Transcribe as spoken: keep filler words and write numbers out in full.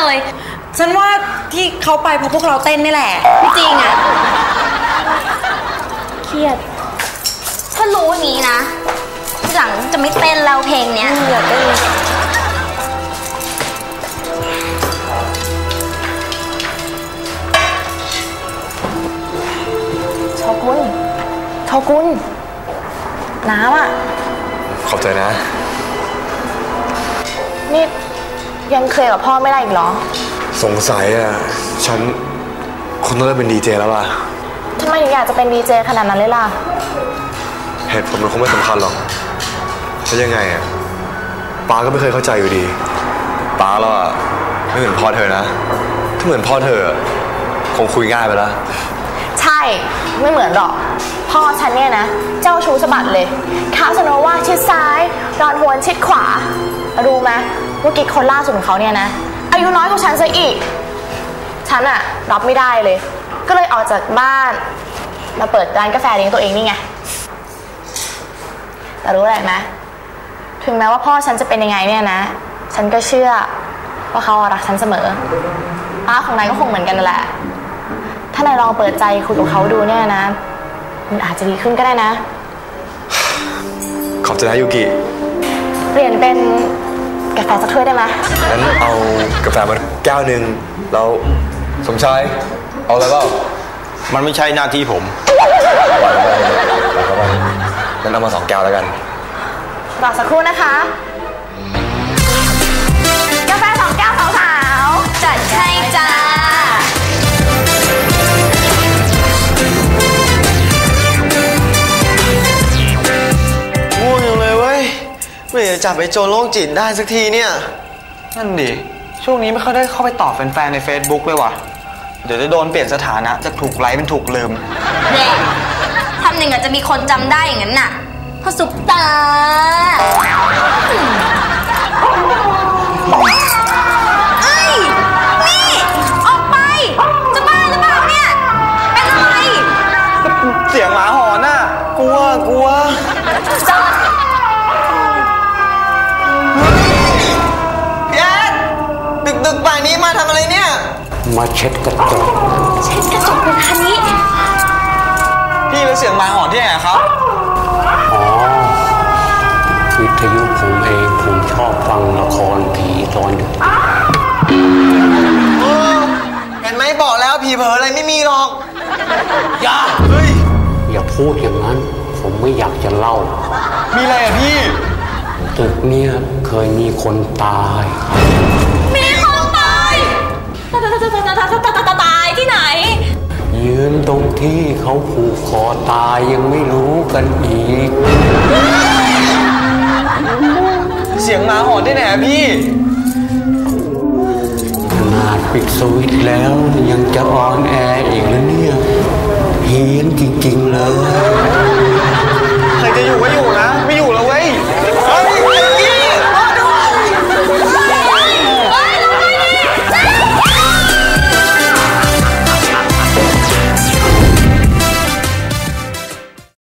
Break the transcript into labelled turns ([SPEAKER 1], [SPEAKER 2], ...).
[SPEAKER 1] เลยฉันว่าที่เขาไปเพราะพวกเราเต้นนี่แหละไม่จริงอ่ะ
[SPEAKER 2] เครียดถ้ารู้อย่างนี้นะทีหลังจะไม่เต้นแล้วเพลงเนี้ยอยากเต้นโชกุนโชกุนน้ำอ่ะ
[SPEAKER 3] ขอบใจนะ
[SPEAKER 2] นี่ยังเคยกับพ่อไม่ได้อีกเหรอ
[SPEAKER 3] สงสัยอ่ะฉันคงต้องเลิกเป็นดีเจแล้วล่ะ
[SPEAKER 2] ทำไมถึงอยากจะเป็นดีเจขนาดนั้นเลยล่ะ
[SPEAKER 3] เหตุผลมันคงไม่สำคัญหรอกเพราะยังไงอ่ะป้าก็ไม่เคยเข้าใจอยู่ดีป้าแล้วอ่ะไม่เหมือนพ่อเธอนะถ้าเหมือนพ่อเธอคงคุยง่ายไปแล้ว
[SPEAKER 2] ใช่ไม่เหมือนหรอกพ่อฉันเนี่ยนะเจ้าชู้สะบัดเลยคาสโนว่าชิดซ้ายรอนฮวนชิดขวารู้ไหมว่ากิ๊กคนล่าสุดของเขาเนี่ยนะอายุน้อยกว่าฉันซะอีกฉันอะรับไม่ได้เลยก็เลยออกจากบ้านมาเปิดร้านกาแฟเลี้ยงตัวเองนี่ไงแต่รู้อะไรไหมถึงแม้ว่าพ่อฉันจะเป็นยังไงเนี่ยนะฉันก็เชื่อว่าเขารักฉันเสมอป้าของนายก็คงเหมือนกันนั่นแหละถ้านายลองเปิดใจคุยกับเขาดูเนี่ยนะมันอาจจะดีขึ้นก็ได้นะ
[SPEAKER 3] ขอบใจนะยูกิ
[SPEAKER 2] เปลี่ยนเป็นกาแฟสักถ้วยได้ไหม
[SPEAKER 3] งั้นเอากาแฟมาแก้วหนึ่งแล้วสมชายเอาอะไรบ้าง
[SPEAKER 4] มันไม่ใช่หน้าที่ผม
[SPEAKER 3] งั้นเอามาสองแก้วแล้วกัน
[SPEAKER 2] รอสักครู่นะคะกาแฟสองแก้วสาวๆจัดให้จ้า
[SPEAKER 5] ง่วงอย่างเลยเว้ยเมื่อไหร่จะจับไอ้โจรโรคจิตได้สักทีเนี่ย
[SPEAKER 4] นั่นดิช่วงนี้ไม่ค่อยได้เข้าไปตอบแฟนๆใน Facebook เลยว่ะเดี๋ยวจะโดนเปลี่ยนสถานะจากถูกไลค์เป็นถูกลืม
[SPEAKER 2] เนี่ยทำหนึ่งอาจจะมีคนจำได้อย่างนั้นน่ะเพราะซุปตาเอ้ยนี่ออกไปจะบ้าหรือเปล่าเนี่ยเป็นอะไร
[SPEAKER 4] เสียงหมาหอนน่ะกลัวกลัว
[SPEAKER 2] จอด
[SPEAKER 5] พี่แอดดึกๆป่านนี้มาทำอะไรเนี่ย
[SPEAKER 6] มาเช็ดกระจก
[SPEAKER 2] เช็ดกระจกเป็นคันนี้
[SPEAKER 4] พี่แล้วเสียงหมาหอนที่ไหนครับ
[SPEAKER 6] อ๋อวิทยุผมเองผมชอบฟังละครผีตอนดึก
[SPEAKER 5] เห็นไหมบอกแล้วผีเผลออะไรไม่มีหรอก
[SPEAKER 4] อย่าเฮ้ย
[SPEAKER 6] อย่าพูดอย่างนั้นผมไม่อยากจะเล่า
[SPEAKER 4] มีอะไรอ่ะพี่
[SPEAKER 6] ตึกเนี่ยเคยมีคนตาย
[SPEAKER 2] มีคนตายตายที่ไหน
[SPEAKER 6] ยืนตรงที่เขาผูกคอตายยังไม่รู้กันอีก
[SPEAKER 4] เสียงหมาหอนที่ไหนอ่ะพี่
[SPEAKER 6] ขนาดปิดสวิตช์แล้วยังจะออนแอร์อีกแล้วเนี่ยเฮี้ยนจริงๆเลย
[SPEAKER 4] ใครจะอยู่ก็อยู่